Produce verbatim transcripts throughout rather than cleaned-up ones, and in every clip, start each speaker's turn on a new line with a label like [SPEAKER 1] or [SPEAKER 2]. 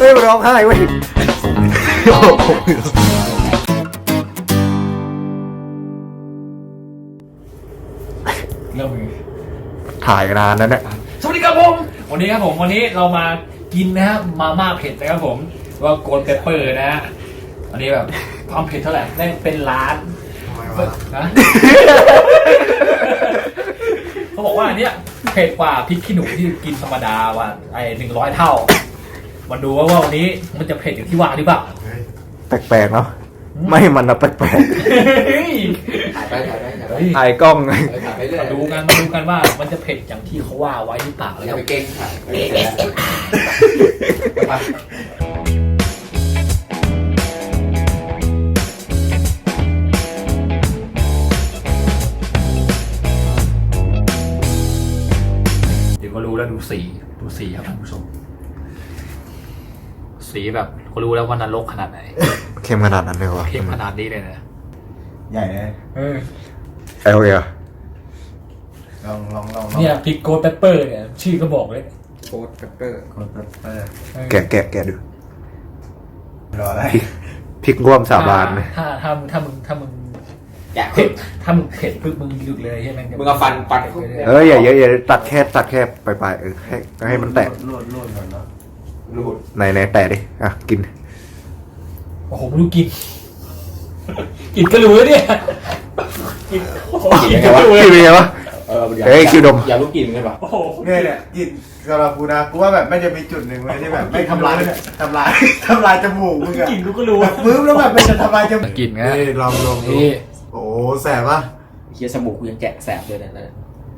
[SPEAKER 1] ฮ้ยมันร้องไห้เว้ย
[SPEAKER 2] เริ่มเลย
[SPEAKER 1] ถ่ายกันนานแล้วเนี่ย
[SPEAKER 2] สวัสดีครับผมวันนี้ครับผมวันนี้เรามากินนะฮะมาม่าเผ็ดนะครับผมว่าโกลเปเปอร์นะฮะอันนี้แบบความเผ็ดเท่าไหร่ได้เป็นล้านนะเขาบอกว่าอันเนี้ยเผ็ดกว่าพริกขี้หนูที่กินธรรมดาว่าไอ้หนึ่งร้อยเท่ามาดูว่าวันนี้มันจะเผ็ดอย่างที่ว่าหรือเปล่า
[SPEAKER 1] แปลกๆเนาะไม่มันอะแปลกๆ
[SPEAKER 3] ถ่ายไปถ่ายไปถ่ายไป
[SPEAKER 1] ถ่ายกล้องไง
[SPEAKER 3] ถ่ายไปเรื่อย
[SPEAKER 2] มาดูกันมาดูกันว่ามันจะเผ็ดอย่างที่เขาว่าไว้หรือเปล่าแล้ว
[SPEAKER 3] อย่า
[SPEAKER 2] ก็
[SPEAKER 3] ไปเก่งถ่ายไปเรื่อย
[SPEAKER 2] เดี๋ยวก็รู้แล้วดูสีดูสีครับท่านผู้ชมสีแบบก็รู้แล้วว่านรกขนาดไหน
[SPEAKER 1] เข้มขนาดนั้นเลยวะ
[SPEAKER 2] เข้มขนาดนี้เลยนะ
[SPEAKER 4] ใหญ่เลย
[SPEAKER 2] เออ
[SPEAKER 1] ไอ้โอเคอะ
[SPEAKER 4] ลองลองลอง
[SPEAKER 2] เนี่ยพริกโกลเปเปอร์เนี่ยชื่อก็บอกเลย
[SPEAKER 3] โค้ดเปปเปอร์
[SPEAKER 4] คนเปิดเปิด
[SPEAKER 1] แกะแกะแกะดู
[SPEAKER 4] รออะไร
[SPEAKER 1] พริกร่วมสาบานเลย
[SPEAKER 2] ถ้าถ้าถ้ามึงถ้ามึง
[SPEAKER 3] แกะ
[SPEAKER 2] เผ็ดถ้ามึงเผ็ดปึ๊บมึงหยุดเลยใช่ไหม
[SPEAKER 3] มึงเอาฟันฟัน
[SPEAKER 1] เอออย่าเยอะอย่าตัดแค่ตัดแค่ปลายๆเออให้ให้มันแตก
[SPEAKER 4] รูดรูดก่อนเนาะ
[SPEAKER 3] รูด
[SPEAKER 1] ไหนไหนแตะดิอ่ะกิน
[SPEAKER 2] โอ้โหไม่รู้กินกินก็รู้แล้วเนี่ยกินโอ้โหกินก็รู้
[SPEAKER 1] กินเป็นไงวะ
[SPEAKER 3] เออ
[SPEAKER 1] เฮ้ยคิวดม
[SPEAKER 3] อย่ารู้กลิ่นกันป่ะ
[SPEAKER 2] โอ้โห
[SPEAKER 4] เนี่ยเนี่ยกินสำหรับกูนะกูว่าแบบไม่จะมีจุดหนึ่งเลยที่แบบไม่ทำลายทำลายทำลายจมูกมึงอะ
[SPEAKER 2] กินกูก็รู้
[SPEAKER 4] แบบมือแล้วแบบไม่จะทำลายจมูก
[SPEAKER 2] กินไง
[SPEAKER 4] นี่ลองลองดู
[SPEAKER 2] นี่
[SPEAKER 4] โอ้แสบป่ะ
[SPEAKER 3] เคี้ยวสมูกกูยังแกะแสบเลยนะนั่น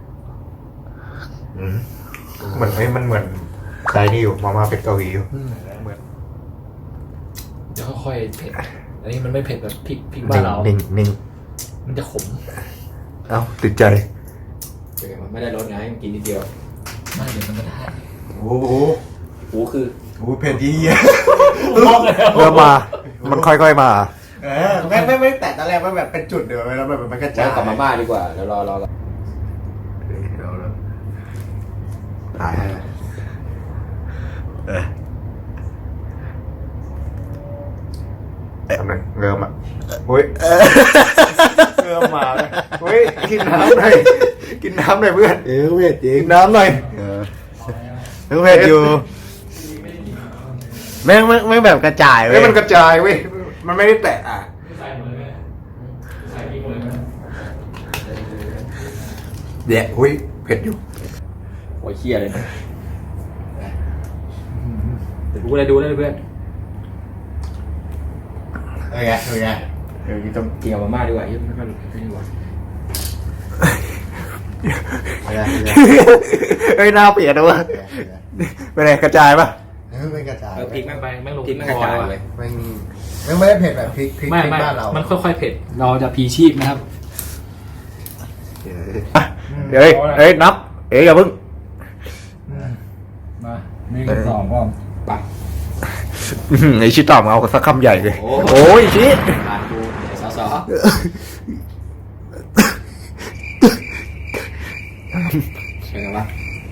[SPEAKER 1] เหมือนไอ้มันเหมือนใส่นี่อยู่มาม่าเป็ดเกาหลีอยู่
[SPEAKER 2] เหมือนจะค่อยๆเผ็ดอันนี้มันไม่เผ็ดแบบพริกพริกบ้านเรา
[SPEAKER 1] นิ่งนิ่ง
[SPEAKER 2] มันจะขม
[SPEAKER 1] เอ้าติดใจ
[SPEAKER 3] มันไม่ได้รสไงมันกินนิดเดียว
[SPEAKER 2] ไม่เดี๋ยวมันก็ได้
[SPEAKER 4] โอ้โห
[SPEAKER 3] หูคือ
[SPEAKER 4] โอ้เผ็ดยี่เหี้ย
[SPEAKER 2] ลอกแล้ว
[SPEAKER 1] เริ่มมา มันค่อยๆมา
[SPEAKER 4] เออไม่ไม่ไม่แต่ตอนแรกมันแบบเป็นจุดเดียวแล้วแบบมันกระจา
[SPEAKER 3] แล้
[SPEAKER 4] ยว
[SPEAKER 3] กลับมาบ้านดีกว่าเดี๋ยวรอรอรอ
[SPEAKER 1] ตายเออเอ๊ะมันเริ่มอ่ะอุ้ยเริ่มมาเลยอุ้ยกินน้ำหน่อยกินน้ำหน่อยเพื่อน
[SPEAKER 4] เออเผ็ดจริง
[SPEAKER 1] กินน้ำหน่อย
[SPEAKER 4] เออเผ็ดอยู่แม่งแม่งแบบกระจาย
[SPEAKER 1] เฮ้
[SPEAKER 4] เว้
[SPEAKER 1] ย
[SPEAKER 4] ย
[SPEAKER 1] มันกระจายเว้ยมันไม่ได้แตะอ่ะ
[SPEAKER 2] ใส่หมดเลยใส่พริกหมดเลย
[SPEAKER 1] เดี๋ยวอุ้ยเผ็ดอยู่
[SPEAKER 3] โอ้ยเคี้ยเลยนะ
[SPEAKER 2] เดี๋ยวกูเลยดูเลยเพื่อน
[SPEAKER 4] เออไงเออไงเออกินต้ม
[SPEAKER 3] กินกับมาม่าดีกว่ายิ่งไม่ค่อยรู้ไม่ดีกว่า
[SPEAKER 4] เออ
[SPEAKER 1] เฮ้ยหน้าเปลี่ยนนะวะเป็นไงกระจายปะ
[SPEAKER 4] เออไม่กระจาย
[SPEAKER 3] เออพริกแม่ง
[SPEAKER 2] ไปแม่งลง
[SPEAKER 3] พริกแม่งกระจายเลย
[SPEAKER 4] ไม่ไม่ไม่ได้เผ็ดแบบพริกพริก
[SPEAKER 2] ไม่
[SPEAKER 4] พริก
[SPEAKER 2] ไม่
[SPEAKER 4] บ้านเรา
[SPEAKER 2] มันค่อยๆเผ็ดเราจะพีชีพนะครับ
[SPEAKER 1] เดี๋ยวเฮ้ยเฮ้ยนับเอ้ยอย่าเพิ่ง
[SPEAKER 2] มาหนึ่งสองพร้อม
[SPEAKER 3] ไป
[SPEAKER 1] ไอชิตอบเอาสักคำใหญ่เลยโอ้ยชิ
[SPEAKER 3] ทานกูไอ้สอสอใช่ไหมวะ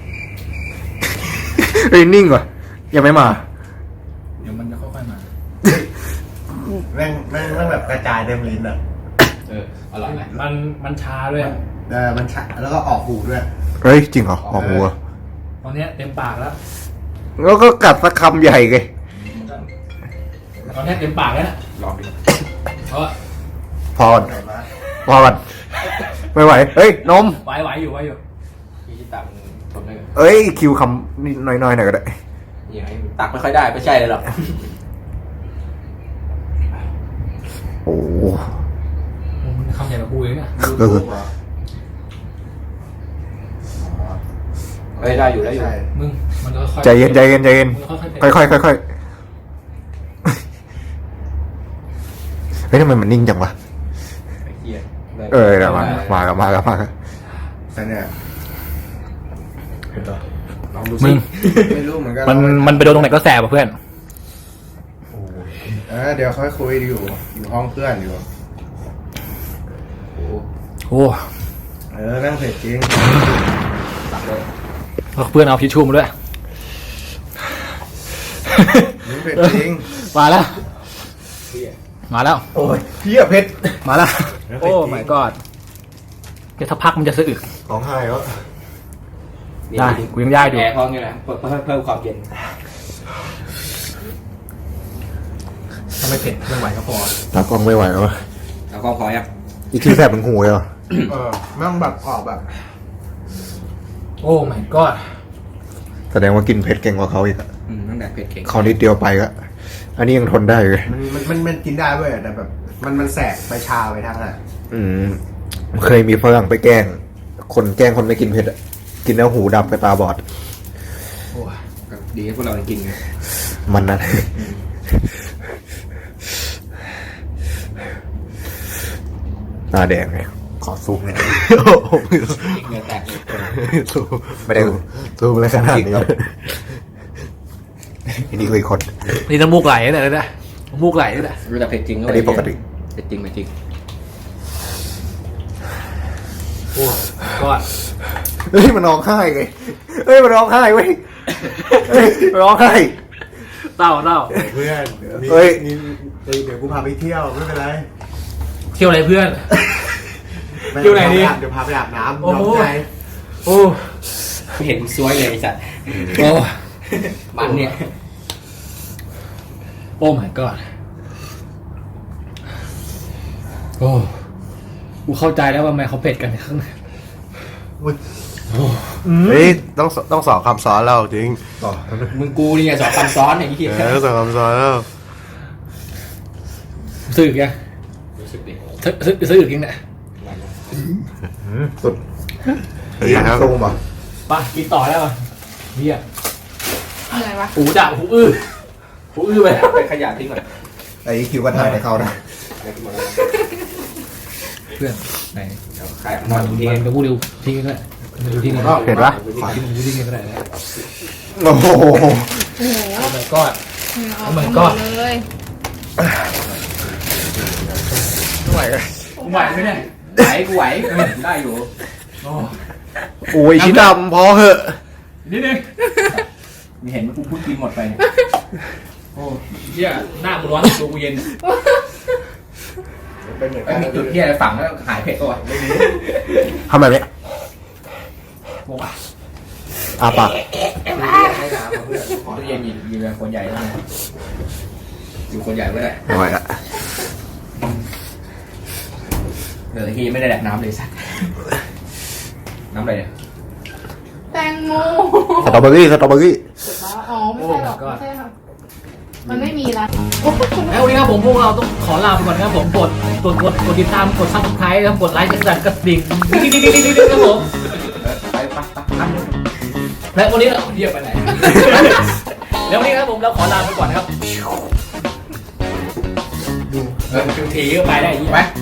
[SPEAKER 1] เฮ้ยนิ่งว่ะยังไม่มา
[SPEAKER 2] เดี๋ยวมันจะค่อยๆมา
[SPEAKER 4] แม่งแม่งแม่งแบบกระจายเต็มลิ้นอ่ะ
[SPEAKER 3] เอออร่อยไหม
[SPEAKER 2] มันมันชาด้วย
[SPEAKER 4] เออมันฉะแล้วก็ออกหูด้วย
[SPEAKER 1] เฮ้ยจริงเหรอออกหัว
[SPEAKER 2] ตอนเนี้ยเต็มปากแล้ว
[SPEAKER 1] แล้วก็กัดสักคำใหญ่เลย
[SPEAKER 2] ตอนเนี้ยเต็มปากแล้วนะ
[SPEAKER 3] ลองดิ
[SPEAKER 2] เพราะ
[SPEAKER 1] พอก่อนพอก่อนไม่ไหวเฮ้ยนม
[SPEAKER 2] ไหวไหวอยู่ไหวอยู่
[SPEAKER 3] พี่ชิตามึงทนได้ไง
[SPEAKER 1] เอ้ยคิวคำนิดน้อยๆหน่อยก็ได้
[SPEAKER 3] ยังไงตักไม่ค่อยได้ไม่ใช่เลยหรอก
[SPEAKER 1] โอ้
[SPEAKER 2] มันคำใหญ่กว่ากูเลยเนี่ย
[SPEAKER 1] เออ
[SPEAKER 3] เฮ้ยได้อยู่ได้อยู่
[SPEAKER 4] ใช่
[SPEAKER 2] มึงมันค่อยๆ
[SPEAKER 1] ใจเย็นใจเย็นใจเย็น
[SPEAKER 2] ค่อยๆ
[SPEAKER 1] ค่อยๆค่อยๆเฮ้ยทำไมมันนิ่งจังวะ
[SPEAKER 3] ไอ้เหี้ย
[SPEAKER 1] เออเดี๋ยวมามากับมากับมากับ
[SPEAKER 4] แต่เนี่ยเผ็ดต่อ
[SPEAKER 3] ลองดู
[SPEAKER 2] มึ
[SPEAKER 3] สิ
[SPEAKER 2] ง
[SPEAKER 4] ไม่รู้เหมือนกัน
[SPEAKER 2] มันมันไปโดนตรงไหนก็แสบอ่ะเพื่อน
[SPEAKER 4] โอ้เออเดี๋ยวค่อยคุยอยู่อยู่ห้องเพื่อนอยู่
[SPEAKER 3] โอ้โห
[SPEAKER 2] โอ้
[SPEAKER 4] เออนั่งเผ็ดจริง
[SPEAKER 3] ตักเลย
[SPEAKER 2] เพื่อนเอาทิชชู่มาด้วย
[SPEAKER 4] มึงเผ็ดจริง
[SPEAKER 2] มาแล้ว มาแล้ว
[SPEAKER 4] โอ้ยเฮียเผ็ด
[SPEAKER 2] มาแล้ว โอ้ my god เดี๋ยวสักพักมันจะสะอึก
[SPEAKER 1] ร้องไห้แล้ว
[SPEAKER 2] ได้กูยังย่ายอยู่
[SPEAKER 3] แอร์ห้องนี่แหละเพิ่มเพิ่มเพิ่มความเย็น
[SPEAKER 2] ถ้าไม่เผ็ดไม่ไหวก็พอ
[SPEAKER 1] ตากล้องไม่ไหวแล้ว
[SPEAKER 3] เอากล้องพอยัง
[SPEAKER 1] อีกทีแสบมันหูเลยเหรอ
[SPEAKER 4] เออแม่งแบบออกแบบ
[SPEAKER 2] โอ้ my god
[SPEAKER 1] แสดงว่ากินเผ็ดเก่งกว่าเขาอีกอะ
[SPEAKER 3] อืมตั้งแต่เผ็ดเก่ง
[SPEAKER 1] เขานิดเดียวไปก็อันนี้ยังทนได้เลย
[SPEAKER 4] มันมันมันมันกินได้เว้ยแต่แบบมันมันแสบไปชาไปทางอ่ะ
[SPEAKER 1] อืมเคยมีฝรั่งไปแกล้ง คนแกล้งคนไม่กินเผ็ดอะกินแล้วหูดับไปตาบอด
[SPEAKER 2] โอ้ย
[SPEAKER 3] ก็ดีให้พวกเราได้กินไง
[SPEAKER 1] มันนะตาแดงไงขอซูมเลย
[SPEAKER 3] เหงื่อแตกเลย
[SPEAKER 1] ซูมไม่ได้ซูมอะไรขนาดนี้อันนี้คืออีกคน
[SPEAKER 2] นี่น้ำมูกไหลเนี่ยเลยนะน้ำมูกไหลเนี่ย
[SPEAKER 3] รู้แต่เผ็ดจริงก็
[SPEAKER 1] อันนี้ปกติ
[SPEAKER 3] เผ็ดจริงเผ็ดจริง
[SPEAKER 2] โอ้ก็
[SPEAKER 1] เฮ้ยมันร้องไห้ไงเฮ้ยมันร้องไห้เว้ยเฮ้ยมันร้องไห้
[SPEAKER 2] เต้าเต้า
[SPEAKER 4] เพื่อน
[SPEAKER 1] เฮ้ย
[SPEAKER 4] นี่เดี๋ยวกูพาไปเที่ยวไม่เป็นไร
[SPEAKER 2] เที่ยวอะไรเพื่อน
[SPEAKER 4] ม่
[SPEAKER 2] เที่ยวไหนดี
[SPEAKER 4] เดี๋ยวพาไปอาบน้ำ
[SPEAKER 2] โอ้โห
[SPEAKER 4] น้องใจ
[SPEAKER 2] โอ้
[SPEAKER 3] ไม่เห็นซวยเลยไอ้สัตว์
[SPEAKER 2] โอ้
[SPEAKER 3] มันเนี่ย
[SPEAKER 2] โอ้ my god โอ้กูเข้าใจแล้วว่าทำไมเขาเผ็ดกันข้างใน
[SPEAKER 4] เฮ้ยต้องต้องสอนคำสอนเราจริง
[SPEAKER 3] มึงกูนี่ไงสอนคำซ้อนไอ้ที่
[SPEAKER 4] เออต้องสอนคำสอนเรา
[SPEAKER 2] ซื้ออีกยัง
[SPEAKER 3] รู้สึกดิ
[SPEAKER 2] ซื้อซื้อซื้ออีกยังเนี่ย
[SPEAKER 1] สุด
[SPEAKER 4] เฮ้ยครับ
[SPEAKER 1] ซูมอ่ะ
[SPEAKER 2] ไปกินต่อแล้วป่ะเฮีย
[SPEAKER 5] อะไรวะ
[SPEAKER 2] หูดับหูอื้อหูอื้อไปแล้ว
[SPEAKER 3] ไปขยะทิ้งก่อน
[SPEAKER 1] ไอ้คิวก็ถ่ายในเขานะ
[SPEAKER 3] ไปกินหมดแล้ว
[SPEAKER 2] เพื่อนไหน
[SPEAKER 3] เดี๋ยวใครเอาน
[SPEAKER 2] มั
[SPEAKER 3] อน
[SPEAKER 2] น
[SPEAKER 3] ทิ้ง
[SPEAKER 2] มันจะพูดเร็วทิ้งกันก็ได้มันดูทิ้งกัน
[SPEAKER 1] เห็นปะ
[SPEAKER 2] ขอทิ้งดูทิ้งกันก็ได้นะ
[SPEAKER 1] โอ้โห
[SPEAKER 5] โอ้โห
[SPEAKER 2] โอ้ my god
[SPEAKER 5] เอา
[SPEAKER 2] มัน
[SPEAKER 5] หม
[SPEAKER 2] ก็
[SPEAKER 5] ดเลย
[SPEAKER 1] ไม่ไหวเลย
[SPEAKER 2] กูไหวไหมเนี่ย
[SPEAKER 3] ไหวกูไหวเออได้อยู่
[SPEAKER 2] โอ้
[SPEAKER 1] โอ้ยชิ้นดำพอเหอะ
[SPEAKER 2] นิดนึง
[SPEAKER 3] มีเห็นว่ากูพูดกินหมดไปเนี่ย
[SPEAKER 2] โอ้เฮียหน้ากูร้อนตัวกูเย็น
[SPEAKER 4] เป็นเหมือน
[SPEAKER 3] ไม่
[SPEAKER 4] กัน
[SPEAKER 3] มีจุดที่อะไรฝังแล้วหายเผ็ดตัว
[SPEAKER 1] ทำแบบนี้
[SPEAKER 2] บอกว่า
[SPEAKER 1] อาปาก
[SPEAKER 3] ให้น้ำเพื่อนขอตู้เย็นอยู่อยู่กับคนใหญ่แล้วนะอยู่คนใหญ่ไม่ได้
[SPEAKER 1] ไม่ไหวละ
[SPEAKER 3] เดี๋ยวทีไม่ได้แดกน้ำเลยสักน้ำอะไรเนี่ย
[SPEAKER 5] แตงโม
[SPEAKER 1] สตรอเบอรี่สตรอเบอรี่
[SPEAKER 5] อ๋อไม่ใช่หรอกไม่ใช่ค่ะมันไม่มีละ
[SPEAKER 2] แล้ววันนี้ครับผมพวกเราต้องขอลาไปก่อนนะครับผมกดกดกดกดติดตามกดซับสไครต์นะครับกดไลค์กดสั่นกระดิ่งดิ้งดิ้งดิ้งดิ้งดิ้งครับผม
[SPEAKER 3] ไปไปไปทำเลย
[SPEAKER 2] และวันนี้เราเรียกไปไหน แล้ววันนี้ครับผมเราขอลาไปก่อนนะครับดูเออถือก็ไปได้ยี่
[SPEAKER 3] ไป
[SPEAKER 2] ไหม